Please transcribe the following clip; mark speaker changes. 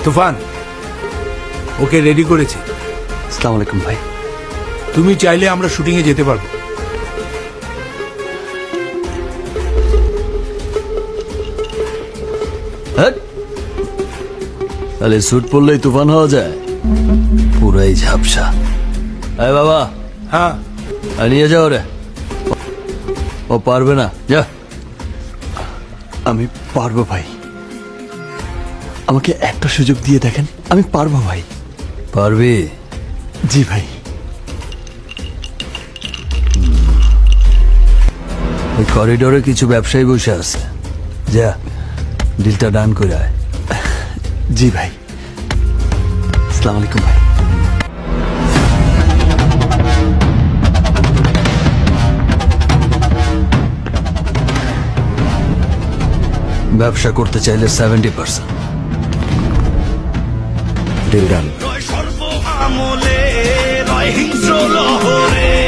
Speaker 1: তুফান okay ready করেছি।
Speaker 2: আসসালামু আলাইকুম ভাই।
Speaker 1: তুমি চাইলে আমরা শুটিং এ যেতে পারবো।
Speaker 2: তাহলে স্যুট পরলেই তুফান হওয়া যায়? পুরাই ঝাপসা। আরে বাবা,
Speaker 1: হ্যাঁ
Speaker 2: নিয়ে যাও রে। ও পারবে না, যা।
Speaker 3: আমি পারবো ভাই, আমাকে একটা সুযোগ দিয়ে দেখেন, আমি পারবো ভাই।
Speaker 2: পারবি?
Speaker 3: জি ভাই।
Speaker 2: ওই করিডোরে কিছু ব্যবসায়ী বসে আছে, যা ডিলটা ডান করে আয়।
Speaker 3: জি ভাই। আসসালামু আলাইকুম ভাই।
Speaker 2: ব্যবসা করতে চাইলে 70%।
Speaker 3: Deal done.
Speaker 4: সর্ব আমলে রয় হিংস্র লহরে